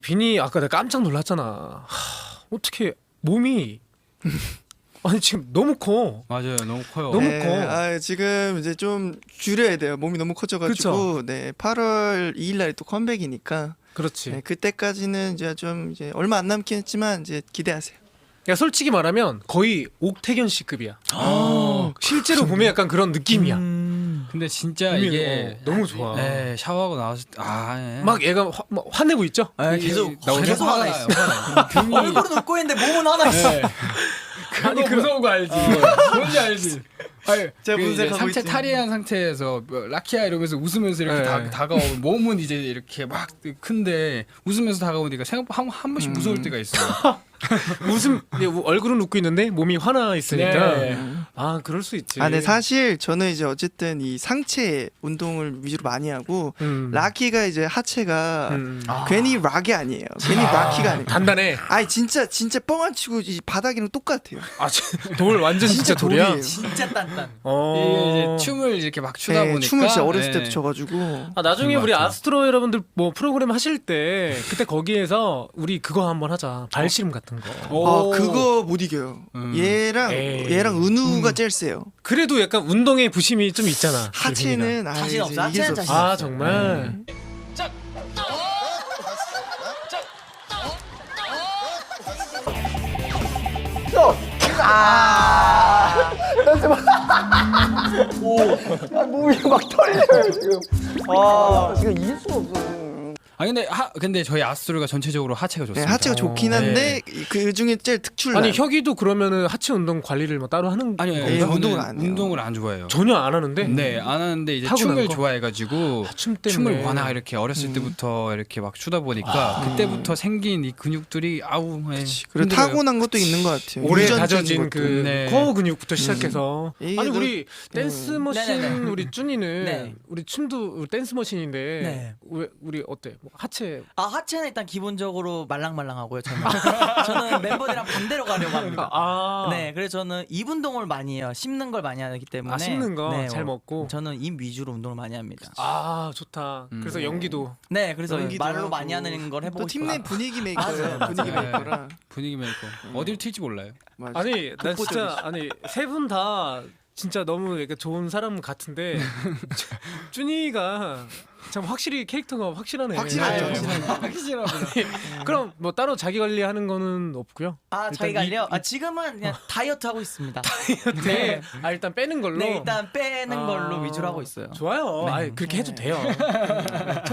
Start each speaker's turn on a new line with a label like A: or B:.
A: 빈이 아까 내가 깜짝 놀랐잖아. 어떻게 몸이 아니 지금 너무 커.
B: 맞아요, 너무 커요.
A: 너무
C: 네,
A: 커.
C: 아, 지금 이제 좀 줄여야 돼요. 몸이 너무 커져가지고. 네, 8월 2일 날이 또 컴백이니까.
A: 그렇지.
C: 네, 그때까지는 이제 좀 이제 얼마 안 남긴 했지만 이제 기대하세요.
A: 야 솔직히 말하면 거의 옥태견 씨급이야. 실제로 보면 약간 그런 느낌이야.
B: 근데 진짜
A: 몸이,
B: 이게
A: 너무 좋아.
B: 네, 샤워하고 나왔을 때 예.
A: 막 얘가 막 화내고 있죠.
D: 계속
B: 계속
D: 화나
B: 화나요.
D: 있어. 얼굴은 웃고 있는데 몸은 화나 있어.
B: 네. 그거 무서운 거 알지? 뭔지 알지? 아니,
C: 제가
B: 그
C: 무슨
B: 이제
C: 생각하고
B: 상체
C: 있지?
B: 탈의한 상태에서 뭐 라키야 이러면서 웃으면서 이렇게
A: 네.
B: 다가오고 몸은 이제 이렇게 막 큰데 웃으면서 다가오니까 생각보다 한 번씩 무서울 때가 있어요.
A: 웃음 얼굴은 웃고 있는데 몸이 화나 있으니까.
B: 네.
A: 아 그럴 수 있지.
C: 아, 네, 사실 저는 이제 어쨌든 이 상체 운동을 위주로 많이 하고 라키가 이제 하체가 괜히 락이 아니에요. 괜히 라키가 아니에요.
A: 단단해.
C: 아니 진짜 뻥 안 치고 이 바닥이랑 똑같아요.
A: 돌 완전 진짜 돌이야.
C: 돌이에요.
D: 진짜 단단.
B: 이게 이제 춤을 이렇게 막 추다
C: 네,
B: 보니까
C: 춤을 진짜 어렸을
B: 네.
C: 때부터 춰가지고.
A: 아 나중에
B: 그런
A: 우리
B: 것 같아요.
A: 아스트로 여러분들 뭐 프로그램 하실 때 그때 거기에서 우리 그거 한번 하자. 발씨름 같은 거.
B: 오.
C: 아, 그거 못 이겨요. 얘랑
A: 에이.
C: 은우가 제일 세요.
A: 그래도 약간 운동에 부심이 좀 있잖아.
C: 하체는
D: 자신 없어.
C: 이길 수
D: 하체는 자신
C: 없어.
A: 아 정말.
C: 몸이 막 털려요 지금. 아 지금 이길 수가 없어.
B: 근데 저희 아스트로가 전체적으로 하체가
C: 네,
B: 좋습니다.
C: 하체가 좋긴 한데 그 중에 제일 특출나.
A: 아니 혁이도 그러면은 하체 운동 관리를 뭐 따로 하는
B: 아니요,
C: 네,
B: 저는
C: 운동을 안 해요.
B: 운동을 안 좋아해요.
A: 전혀 안 하는데.
B: 네, 안 하는데 이제
A: 타고난
B: 춤을
A: 거?
B: 좋아해가지고
A: 춤 때문에.
B: 춤을 워낙 이렇게 어렸을 때부터 이렇게 막 추다 보니까 그때부터 생긴 이 근육들이 아우 예,
C: 그리고
B: 힘들어요.
C: 타고난 것도 있는 것 같아요.
A: 오래
C: 유전적인
A: 다져진
C: 것도.
A: 그
B: 네.
A: 코어 근육부터 시작해서
C: 이게
A: 아니
C: 너-
A: 우리 댄스 머신
D: 네네네.
A: 우리 쭈니는
D: 네.
A: 우리 춤도 댄스 머신인데
D: 네.
A: 왜 우리 어때? 뭐 하체
D: 하체는 일단 기본적으로 말랑말랑하고요. 저는 멤버들이랑 반대로 가려고 합니다. 네, 그래서 저는 입 운동을 많이 해요. 씹는 걸 많이 하기 때문에.
A: 씹는 거
D: 네,
A: 잘 먹고.
D: 저는 입 위주로 운동을 많이 합니다.
A: 아 좋다. 그래서 연기도
D: 네, 그래서
C: 연기도
D: 말로
C: 하고.
D: 많이 하는 걸 해보고
C: 또 팀 내
D: 싶어요.
C: 분위기 메이커예요. 분위기
B: 네.
C: 메이커라.
B: 분위기 메이커 어딜 튈지 몰라요.
C: 맞아.
A: 아니 난 진짜 아니 세 분 다 진짜 너무 이렇게 좋은 사람 같은데 쭈니가 참 확실히 캐릭터가 확실하네.
C: 확실하죠.
B: 확실하구나.
A: 그럼 뭐 따로 자기 관리하는 거는 없고요.
D: 자기 관리요? 지금은 그냥 다이어트 하고 있습니다.
A: 네. 일단 빼는 걸로.
D: 네, 일단 빼는 걸로 위주로 하고 있어요.
A: 좋아요. 아이, 그렇게 해도 돼요.